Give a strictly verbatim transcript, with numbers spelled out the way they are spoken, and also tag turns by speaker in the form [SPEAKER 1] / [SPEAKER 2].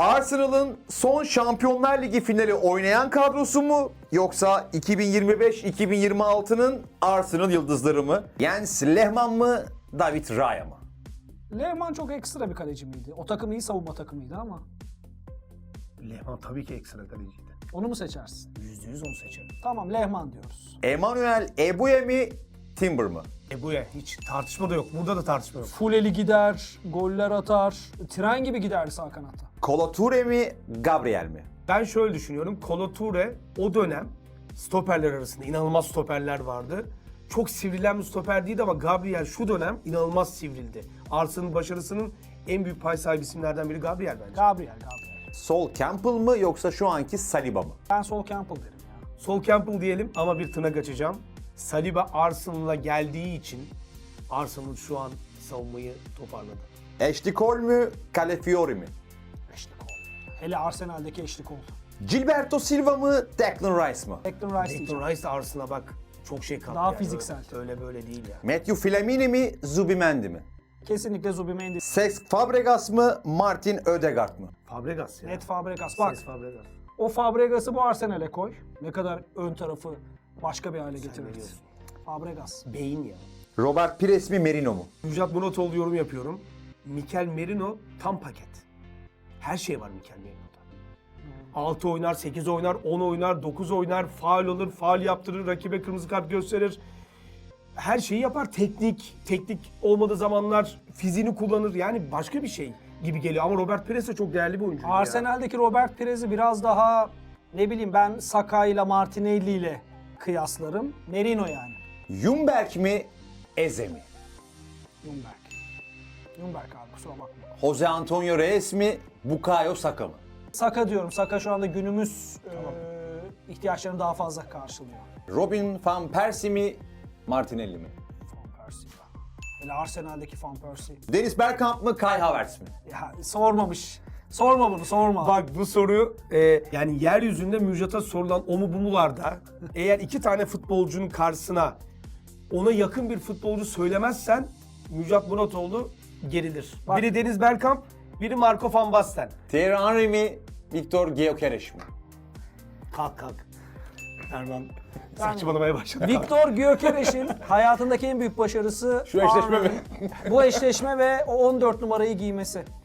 [SPEAKER 1] Arsenal'ın son Şampiyonlar Ligi finali oynayan kadrosu mu yoksa iki bin yirmi beş iki bin yirmi altı'nın Arsenal yıldızları mı? Jens Lehmann mı, David Raya mı?
[SPEAKER 2] Lehmann çok ekstra bir kaleci miydi? O takım iyi savunma takımıydı ama.
[SPEAKER 3] Lehmann tabii ki ekstra kaleciydi.
[SPEAKER 2] Onu mu seçersin?
[SPEAKER 3] Yüzde yüz onu seçerim.
[SPEAKER 2] Tamam, Lehmann diyoruz.
[SPEAKER 1] Emmanuel Ebuye mi, Timber mı?
[SPEAKER 3] Ebu'ya hiç tartışma da yok. Burada da tartışma yok.
[SPEAKER 2] Fuleli gider, goller atar, tren gibi giderdi sağ kanatta.
[SPEAKER 1] Kolo Toure mi, Gabriel mi?
[SPEAKER 3] Ben şöyle düşünüyorum. Kolo Toure o dönem stoperler arasında inanılmaz stoperler vardı. Çok sivrilen bir stoper değildi ama Gabriel şu dönem inanılmaz sivrildi. Arsenal'ın başarısının en büyük pay sahibi isimlerden biri Gabriel bence.
[SPEAKER 2] Gabriel, Gabriel.
[SPEAKER 1] Sol Campbell mı yoksa şu anki Saliba mı?
[SPEAKER 2] Ben Sol Campbell derim ya.
[SPEAKER 3] Sol Campbell diyelim ama bir tırnak açacağım. Saliba Arsenal'a geldiği için Arsenal şu an savunmayı toparladı.
[SPEAKER 1] Ashley Cole mü, Calafiori mi?
[SPEAKER 2] Eşlik oldu. Hele Arsenal'deki eşlik oldu.
[SPEAKER 1] Gilberto Silva mı, Declan Rice mı?
[SPEAKER 2] Declan Rice diyeceğim.
[SPEAKER 3] Declan Rice de Arsenal'a bak çok şey kattı.
[SPEAKER 2] Daha
[SPEAKER 3] yani.
[SPEAKER 2] fiziksel.
[SPEAKER 3] Öyle, öyle böyle değil ya.
[SPEAKER 1] Matthew Flamini mi, Zubimendi mi?
[SPEAKER 2] Kesinlikle Zubimendi.
[SPEAKER 1] Cesc Fabregas mı, Martin Ödegaard mı?
[SPEAKER 3] Fabregas ya.
[SPEAKER 2] Net Fabregas. Bak,
[SPEAKER 3] Ses Fabregas.
[SPEAKER 2] o Fabregas'ı bu Arsenal'e koy. Ne kadar ön tarafı başka bir hale getirirdi.
[SPEAKER 3] biliyorsun.
[SPEAKER 2] Fabregas.
[SPEAKER 3] Beyin ya.
[SPEAKER 1] Robert Pires mi, Merino mu?
[SPEAKER 3] Müjdat Muratoğlu yorum yapıyorum. Mikel Merino tam paket. Her şey var Mikel Merino'da. altı oynar, sekiz oynar, on oynar, dokuz oynar, faul olur, faul yaptırır, rakibe kırmızı kart gösterir. Her şeyi yapar. Teknik, teknik olmadığı zamanlar fiziğini kullanır. Yani başka bir şey gibi geliyor. Ama Robert Pires de çok değerli bir oyuncu. ya.
[SPEAKER 2] Arsenal'deki Robert Pires'i biraz daha ne bileyim ben Saka ile Martinelli ile kıyaslarım. Merino yani.
[SPEAKER 1] Ljungberg mi, Eze mi?
[SPEAKER 2] Ljungberg. Ljungberg abi, kusura bakma.
[SPEAKER 1] Jose Antonio Reyes mi, Bukayo Saka mı?
[SPEAKER 2] Saka diyorum. Saka şu anda günümüz e, ihtiyaçlarını daha fazla karşılıyor.
[SPEAKER 1] Robin van Persie mi, Martinelli mi?
[SPEAKER 2] Van Persie ya. Hele Arsenal'deki Van Persie.
[SPEAKER 1] Dennis Bergkamp mı, Kai Havertz mi?
[SPEAKER 2] Ya sormamış. Sorma bunu, sorma.
[SPEAKER 3] Bak bu soru e, yani yeryüzünde Müjdat'a sorulan o mu bu mularda eğer iki tane futbolcunun karşısına ona yakın bir futbolcu söylemezsen Müjdat Muratoğlu gerilir.
[SPEAKER 2] Bak.
[SPEAKER 3] Biri Deniz Bergkamp, biri Marco van Basten.
[SPEAKER 1] Thierry Henry mi, Victor Gyökeres mi?
[SPEAKER 3] Kalk kalk. Erman saçmalamaya başladı.
[SPEAKER 2] Victor Gyökeres'in hayatındaki en büyük başarısı
[SPEAKER 1] Şu eşleşme mi?
[SPEAKER 2] bu eşleşme ve o on dört numarayı giymesi.